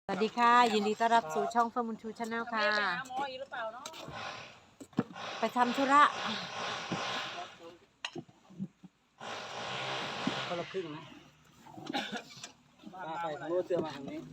สวัสดีค่ะยินดีต้อนรับสู่ช่องเฟิร์มบุญชูชาแนลค่ะไปทำธุระคนละครึ่งนะไปทางโน้นเสือมาทางนี้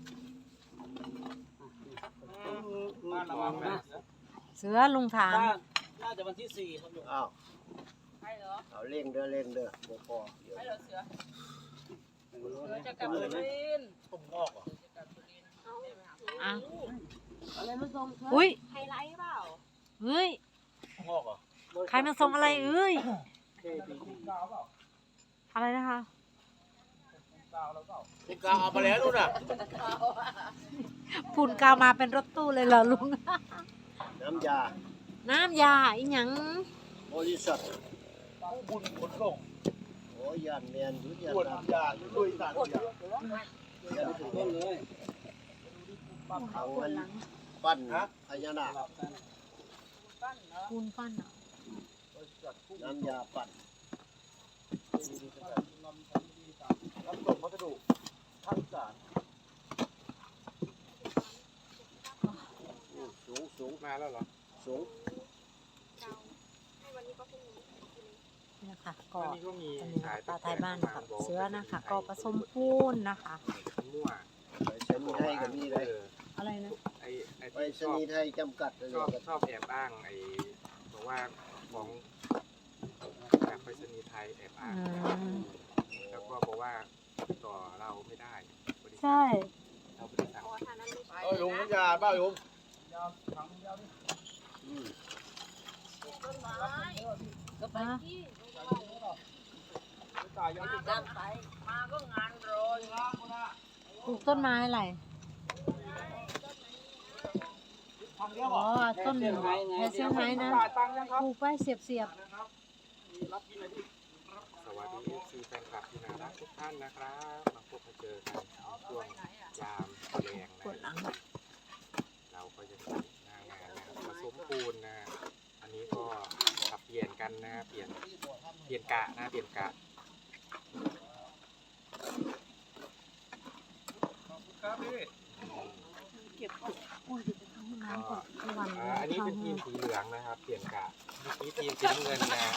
มาระวังนะเสือลุงถามน่าจะวันที่4ครับลุงอ้าวใช่เหรอเอาเร่งเด้อบ่พอเดี๋ยวใช่เหรอเสือจะกลับสุรินทร์ผมงอกเหรออ่ะอะไรมาส่งเธออุ้ยไฮไลท์เปล่าเฮ้ยงอกเหรอใครมาส่งอะไรเอ้ยกาวเปล่าอะไรนะคะกาวแล้วเปล่านี่กาวเอามาแล้วนู่นน่ะฝุ่นกาวมาเป็นรถตู้เลยเหรอลุงน้ำยาน้ำยาอีหยังบริษัทผู้บุญขนส่งโอ้ยานเมียนยุทธยาปวดนยาลุยสารยายันถึงต้นเลย เอาเงินปั้นพญานาคปูนปั้นอ่ะน้ำยาปั้นรับส่งพัสดุภาคอีสานสูงมาแล้วเหรอสูงนี่นะคะก็อันนี้ก็มีอันนี้ขายปลาไทยบ้านกับเสือนะคะก็ผสมปูนนะคะมั่วไปชนีย์ไทยก็มีเลยอะไรนะไอ้ไปที่ชนีย์ไทยจำกัดเลยชอบแอบอ้างไอ้บอกว่าของจากไปรษณีย์ไทยแอบอ้าง แล้วก็บอกว่าต่อเราไม่ได้บริษัทใช่เราบริษัทเอ้ยลุงน้ำยาบ้าลุงต้นไม้ก็ไปที่ตายยังตั้งไปมาก็งานรออยู่ปลูกต้นไม้อะไรทางเดียวอ๋อต้นเซี่ยงไฮ้ไงเซี่ยงไฮ้นะจ่ายตังค์ยังครับปลูกไปเสียบรับกินอะไรดิสวัสดีซีแฟนคลับที่น่ารักทุกท่านนะครับมาพบมาเจอกันช่วงยามแรงๆปวดหลันะงเราก็จะมีหน้างานนะผสมปูนนะอันนี้ก็ขับเปลี่ยนกันนะเปลี่ยนกะนะเปลี่ยนกะครับพี่น้ำก่อนทุกวันอันนี้เป็นทีมสีเหลืองนะครับเปลี่ยนกะนี่ทีมสีน้ำเงินนะ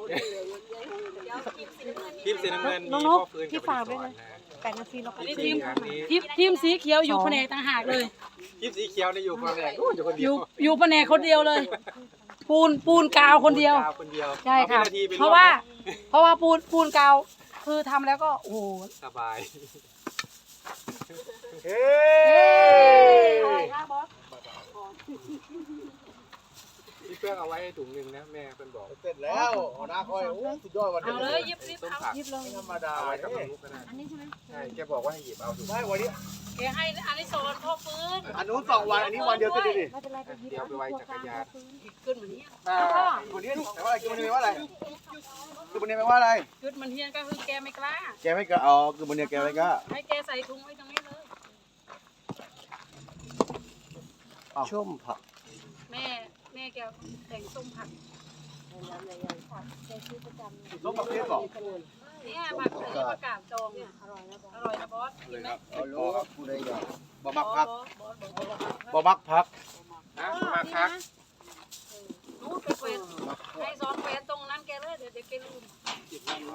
ทีมสีน้ำเงินมีพ่อฟื้นกับอดิศรนะ 8 นาทีแล้วก็ทีมสีเหลืองนี้ทีมสีเขียวอยู่แผนกต่างหากเลยทีมสีเขียวเนี่ยอยู่คนแรกอยู่คนอเดียยู่วอยู่แผนกคนเดียวเลย ปูนกาวคนเดียวคนเดียวใช่ค่ะอป็นนทีไปเพราะว่าปูนกาวคือทำแล้วก็โอ้โหสบายเฮ้อะไรคะบอสพี่เพื่อนเอาไว้ให้ถุงหนึ่งนะแม่เพื่อนบอกเสร็จแล้วหัวหน้าคอยโอ้สุดยอดวันเอานี้เลยยิบส้มผักยิบลงไม่ธรรมดาเอาเลไว้ยกับลูกก็ได้อันนี้ใช่ไหมใช่แกบอกว่าให้หยิบเอาถุงได้วันนี้แกให้อันนี้โซนพ่อฟื้นอันนู้น2 วันอันนี้วันเดียวติดดิไม่เป็นไรไปยิบเดี๋ยวไปไว้จักรยานขึ้นเหมือนเนี้ยวันนี้แต่ว่าอะไรคือมันแปลว่าอะไรคือมันแปลว่าอะไรขึ้นเหมือนเฮียนก็คือแกไม่กล้าแกไม่กล้าอ๋อคือมันแกไม่กล้าให้แกใส่ถุงไว้ตรงนี้เลยชุ่มผักแม่แกแต่งส้มผักส้มผักเทศบอกเนี่ยผักอันนี้ผักกาดจองเนี่ยอร่อยนะบอสกินไหมเอาลูกผู้ใดอยากบ่บมัอก สพักบอสบอกบ่มักพักนะมาพักนู้นไปเฟนให้ซ้อนเฟนตรงนั้นแกเลยเดี๋ยวแกลืมหยิบนั่นเหรอ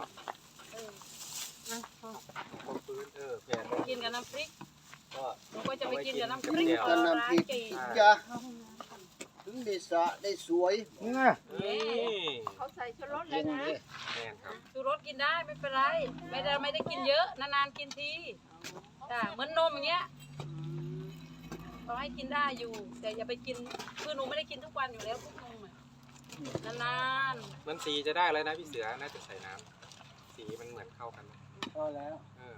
พ่อพ่อฟื้นแผนกินกับน้ำพริกก็หนูก็จะไปกินกับน้ำพกิริกนกันน้ำพริกจ้ะถึงได้สะได้สวยนี่เขาใส่ชูรสเลเย็ยนนะเลยแม่นครับชูรสกินได้ไม่เป็นไรไม่ได้กินเยอะนานๆกินทีจ้ะเหมือนนมอย่างเงี้ยเราให้กินได้อยู่แต่อย่าไปกินคือหนูไม่ได้กินทุกวันอยู่แล้วพวกนมอะนานมันสีจะได้แล้วนะพี่เสือน่าจะใส่น้ำสีมันเหมือนเข้ากันพอแล้ว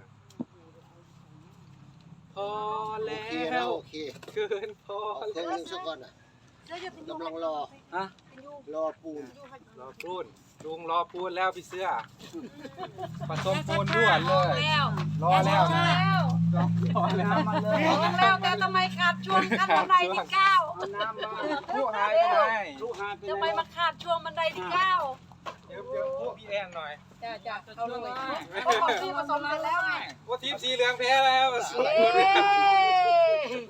พอโอแล้เคแล้ววโอเคเกินพอเอาเครื่องนึงสักก่อนอ่ะกำลังรอฮะรอปูนรอปูนลุงรอปูนแล้วพี่เสื้อผสมๆปูนด่วนเลยแล้วรอแล้วนะแล้วพอแล้วมาเลยบอกแล้วแต่ทำไมขาดช่วงขั้นบันไดที่เก้าเอาน้ำมาผู้หายไปไหนลูกหาไปทำไมมาขาดช่วงบันไดที่เก้าเดี๋ยวพวกพี่แอนหน่อยจ้าเขาเลยเขาบอกที่ผสมเสร็จแล้วไงว่าทีมสีเหลืองแพ้แล้วเย้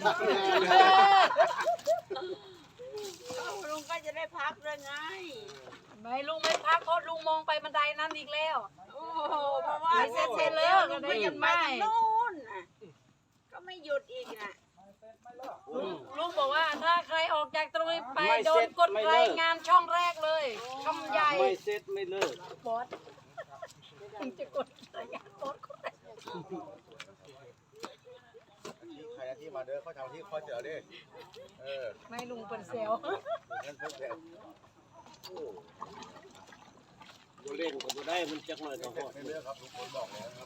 ลุงก็จะได้พักด้วยไงไม่ลุงไม่พักเพราะลุงมองไปบันไดนั้นอีกแล้วโอ้โหเพราะว่าไม่เสร็จเสร็จแล้วลุงก็ก็ได้ยิยังนไปไม่ทางนู้นน่ะก็ไม่หยุดอีกน่ะลุงบอกว่าถ้าใครออกจากตรงนี้ไปโดนกดรายงานช่องแรกเลยคำใหญ่ไม่เสร็จไม่เลิกบอสถึงจะกดรายงานบอสคนแรกใครที่มาเด้อเขาทำที่เขาเจอดิไม่ลุงเป็นเซลงั้นเพิ่มแต่บ่เล่นก็บ่ได้มันจักหน่อยก็ฮอดไม่เลือกครับทุกคนบอกแล้วครับ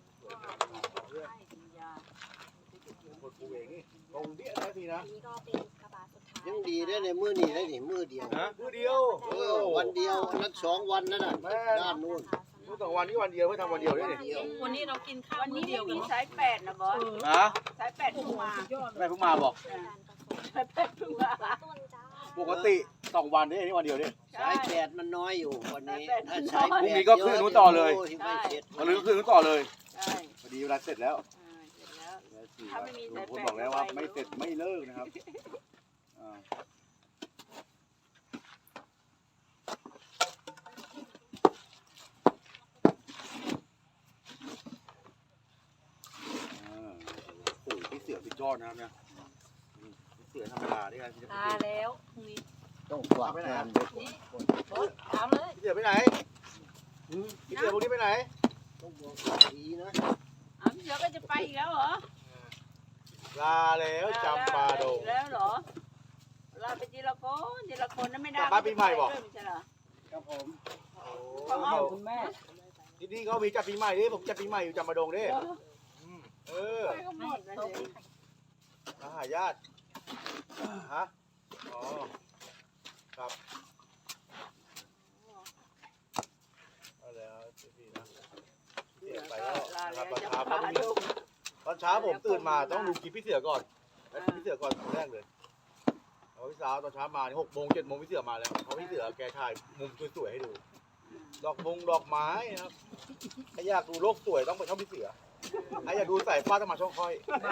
คนกูเองนี่ตรงเดี้ยนะพี่นะยังดีได้ในมื้อนี้ได้นี่มื้อเดียวนะมือเดียววันเดียวนั้น2วันนั่นน่ะด้านนู้นมือสองวันนี้วันเดียวไม่ทำวันเดียวด้วยนี่วันนี้เรากินข้าววันมื้นี้อเดียวกันมีเนาะสายแปดนะบอสฮะสายแปดเพิ่งมาอะไรเพิ่งมาบอกสายแปดเพิ่งมาปกติ2วันนี่วันเดียวนี่สาย8มันน้อยอยู่วันนี้ถ้าสายพรุ่งนี้ก็ขึ้นนู้นต่อเลยไม่เสร็จวันนี้ก็คือต่อเลยใช่พอดีเวลาเสร็จแล้วเสร็จแล้ว ถ้าไม่มีสายแปดคุณบอกแล้วว่าไม่เสร็จไม่เลิกนะครับโอ้โหพี่เสือพี่ยอดนะครับเนี่ยพี่เสือธรรมดาที่กันพี่ตาแล้วพรุ่งนี้ต้องฝากงานเด็กบอสถามเลยเสือไปไหนพี่เสือพวกนี้ไปไหนต้องบอกดีนะอ้าวพี่เสือก็จะไปอีกแล้วเหรอลาแล้วจำปาดงอีกแล้วเหรอลาไปทีละคนนั้นไม่ได้กลับบ้านปีใหม่บอกไม่ใช่เหรอครับผมคุณแม่ที่นี่เขามีจัดปีใหม่ดิผมจัดปีใหม่อยู่จำปาดงดิเออไปก็หมดเลยสิมาหาญาติฮะอ๋อครับเอาแล้วพี่นะเสียไปแล้วลานะคแล้รับวตอนจะเช้าพาก็ไม่มีดูตอนเช้าผมตื่นมาต้องดูคลิปพี่เสือก่อนแล้วพี่เสือก่อนคนแรกเลยเอาพี่สาวตอนเช้ามานี่6 โมง 7 โมงพี่เสือมาแล้วเพราะพี่เสือแกถ่ายมุมสวยๆให้ดู ดอกไม้นะครับถ้าอยากดูโลกสวยต้องไปช่องพี่เสือถ้าอยากดูสายฟ้าต้องมาช่องค่อย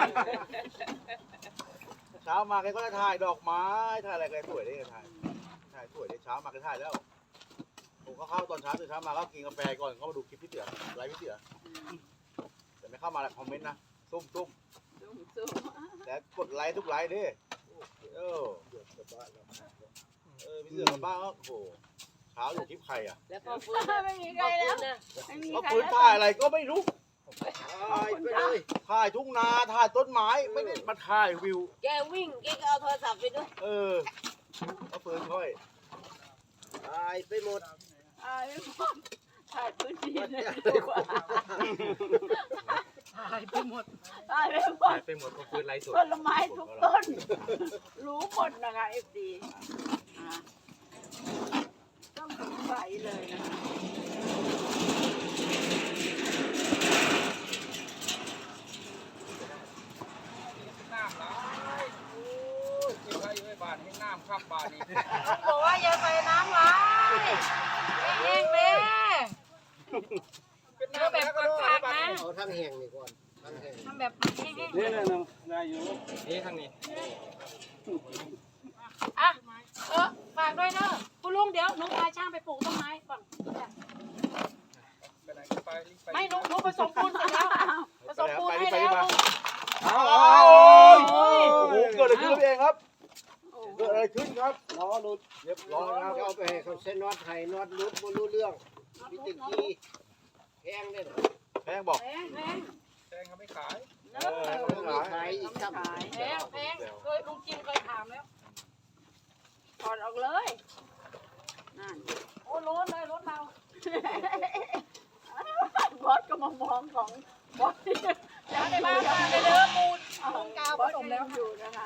เช้ามาแกก็จะถ่ายดอกไม้ถ่ายอะไรแกสวยได้ถ่ายสวยได้เช้ามาก็ถ่ายแล้วผมก็เข้าตอนเช้าตื่นเช้ามาก็กินกาแฟก่อนก็มาดูคลิปพี่เสือไลฟ์พี่เสือแต่ไม่เข้ามาแล้วคอมเมนต์นะซุ่มสู้แต่กดไลค์ทุกไลค์ดิพี่เสือมาบ้านก็โอ้โหเช้าอยู่คลิปใครอ่ะแล้วก็ฟื้นไม่มีใครแล้วไม่มีก็ใครปืนแล้วถ่ายอะไรก็ไม่รู้ตายไปเลยถ่ายทุ่งนาถ่ายต้นไม้ไม่ได้มาถ่ายวิวแกวิ่งแกก็เอาโทรศัพท์ไปด้วยก็ปืนค่อยตายไปหมดถ่ายพื้นที่เลยหายไปหมดถ่ายไปหมดหายไปหมดก็คือไลฟ์สดต้นไม้ทุกต้น รู้หมดนะคะเอฟดีต้องสงสัยเลยนะคะน้ำไหลโอ้ยกินอะไรอยู่ในบ้านให้น้ำข้ามบ้านนี่บอกว่าอย่าใส่น้ำไหลแห้งๆเลยเป็นเดี๋ยวน้ำแบบแล้วก็กากๆนะเอาทั้งแห้งนี่ก่อนทั้งแห้งทำแบบแห้งนี่นะนายอยู่นี่ทางนี้ๆอ่ะฝากด้วยเนอะคุณลุงเดี๋ยวหนูพาช่างไปปลูกต้นไม้ก่อนไปไหนก็ไปรีบไปไม่หนูผสมปูนเสร็จแล้วผสมปูนให้แล้วโอ้โหเกิดอะไรขึ้นพี่เองครับเกิดอะไรขึ้นครับล้อหลุดเรียบร้อยครับเอาไปให้เขาเส้นน็อตไทยน็อตหลุดบ่รู้เรื่องมีแตะกี้แห้งได้แพงบอกแพงแตงเขาไม่ขายเนอะมีขายอีกครับขายแพงเคยลุงจิมเคยถามแล้วถอดออกเลยนั่นโอ้รถเลยรถเราบอสก็มามองของบอสที่ยังได้มามาเลยเด้อปูนของกาวผสมแล้วอยู่นะคะ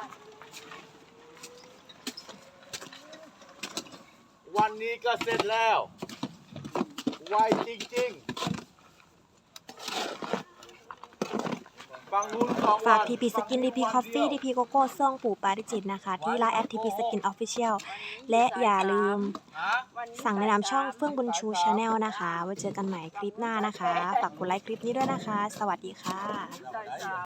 วันนี้ก็เสร็จแล้วไวจริงๆฟังนู้นของฝาก TP Skin TP Coffee TP Coco ซ่องปู่ปาริจิตนะคะ ที่ไลน์แอด TP Skin Official และอย่าลืมสั่งในนามช่องเฟื่องบุญชู Channel นะคะไว้เจอกันใหม่คลิปหน้านะคะ ฝากกดไลค์คลิปนี้ด้วยนะคะ สวัสดีค่ะใส่